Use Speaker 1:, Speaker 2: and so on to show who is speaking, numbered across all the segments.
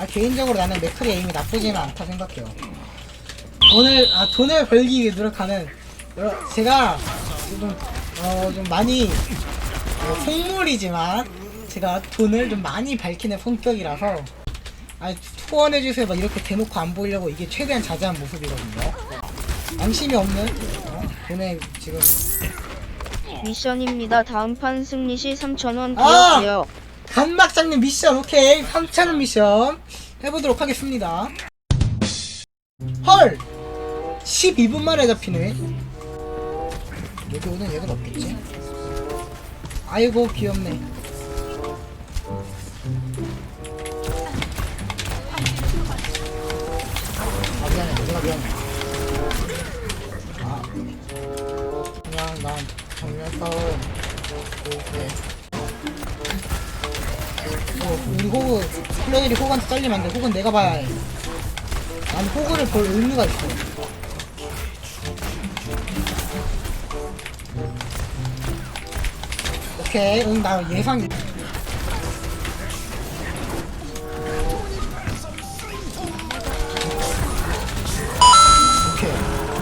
Speaker 1: 개인적으로 나는 맥크리 에임이 나쁘지는 않다 생각해요. 돈을 벌기 위해 노력하는, 제가 좀 많이 속물이지만 제가 돈을 좀 많이 밝히는 성격이라서 후원해주세요 막 이렇게 대놓고 안 보이려고 이게 최대한 자제한 모습이거든요. 양심이 없는 돈에 지금.
Speaker 2: 미션입니다. 다음 판 승리 시 3,000원 기억해요.
Speaker 1: 간막장님 미션 오케이. 3,000원 미션 해보도록 하겠습니다. 헐 12분 만에 잡히네. 여기 오는 얘들 없겠지? 아이고 귀엽네. 미안해 내가 미안해. 그냥 난 정면 싸움 오케이. 우리 호그 플레이리 호그한테 잘리면 안돼. 호그는 내가 봐야 해. 난 호그를 볼 의무가 있어. 오케이 응 나 예상. 오케이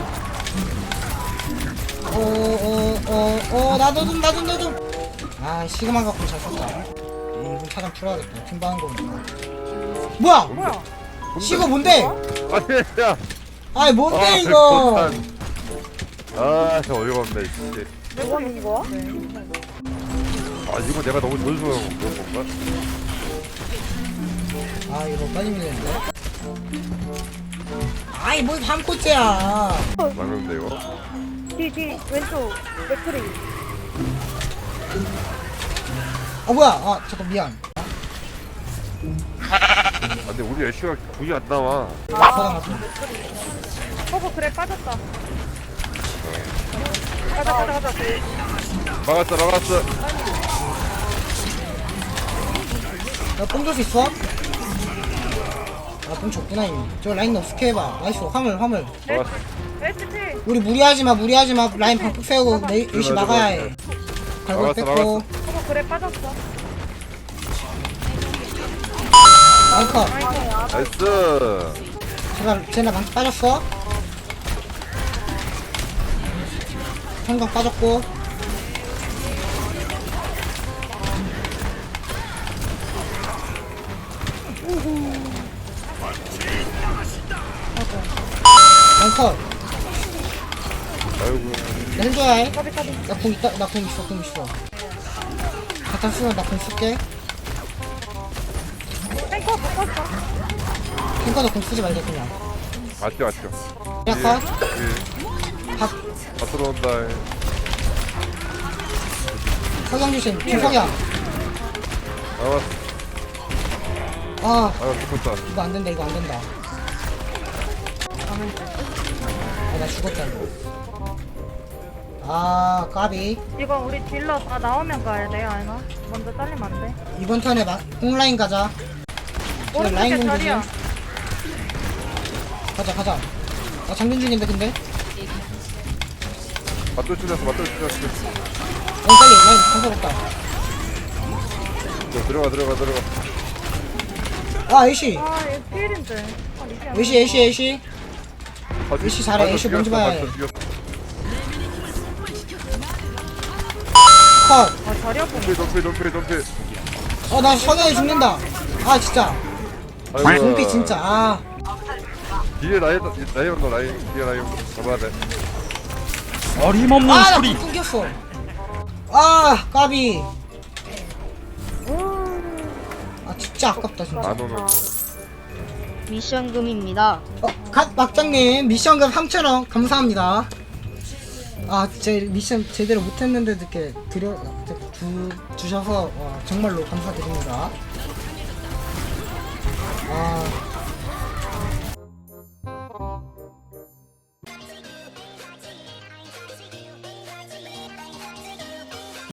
Speaker 1: 나도 좀 시그마 갖고 잘 썼다. 이분 차장 풀어야겠다. 팀방한 거 보니까. 뭐야? 시그 뭔데?
Speaker 3: 아니야.
Speaker 1: 아이 뭔데 이거?
Speaker 3: 저 어이가 없네. 씨.
Speaker 4: 뭐 하는 거야?
Speaker 3: 이거 내가 너무 좋아서 그런 건가?
Speaker 1: 이거 빨리 밀리는데? 뭔 3코째야.
Speaker 3: 막는데 이거.
Speaker 4: 뒤 왼쪽 맥크리.
Speaker 1: 뭐야? 잠깐 미안.
Speaker 3: 근데 우리 애쉬가 굳이 안 나와.
Speaker 1: 사장 같은.
Speaker 4: 그래 빠졌다. 가자.
Speaker 3: 막았어.
Speaker 1: 나뽕 줄 수 있어? 뽕 줬구나 이미. 저 라인 어떻게 해봐. 나이스 화물.
Speaker 3: 막았어.
Speaker 4: HP.
Speaker 1: 우리 무리하지마. 라인 방폭 세우고 열심히 막아야 해. 갈고
Speaker 3: 막았어,
Speaker 1: 뺐고.
Speaker 4: 그래 빠졌어.
Speaker 1: 라인컷.
Speaker 3: 나이스.
Speaker 1: 쟤네 방폭 빠졌어. 성광 빠졌고. 컷.
Speaker 3: 아이고.
Speaker 1: 나 해줘야 해. 나 공 있다. 나 공 있어. 갖다 쓰면 나 공 쓸게.
Speaker 4: 탱커 바꿨어.
Speaker 1: 탱커도 공 쓰지 말자 그냥.
Speaker 3: 맞죠.
Speaker 1: 약간 밥
Speaker 3: 다 들어온다.
Speaker 1: 석양 주심. 김석양.
Speaker 3: 막았어. 죽었다.
Speaker 1: 이거 안 된다. 나 죽었다 이거. 까비.
Speaker 4: 이거 우리 딜러 다 나오면 가야 돼 아이나. 먼저 잘리면 안 돼.
Speaker 1: 이번 턴에 홈라인 가자. 저 라인
Speaker 4: 오른쪽에
Speaker 1: 공격이.
Speaker 4: 자리야.
Speaker 1: 가자. 나 장전 중인데 근데.
Speaker 3: 맞돌 찔렸어.
Speaker 1: 빨리 라인 건설했다.
Speaker 3: 들어가.
Speaker 1: 애쉬.
Speaker 4: 얘 필인데. 리지
Speaker 1: 애쉬. 애쉬 잘해. 애쉬 뭔지 봐야 해. 컷.
Speaker 4: 자리야 보네.
Speaker 3: 돈피.
Speaker 1: 나 석양이 죽는다. 진짜. 동피 진짜.
Speaker 3: 뒤에 라인 뒤에 라인 잡아야 돼.
Speaker 5: 어림없는
Speaker 1: 나
Speaker 5: 소리.
Speaker 1: 끊겼어. 까비. 진짜 아깝다 진짜.
Speaker 3: 만원은.
Speaker 2: 미션금입니다.
Speaker 1: 갓 막장님 미션금 3,000원 감사합니다. 제 미션 제대로 못했는데도 이렇게 주셔서 정말로 감사드립니다.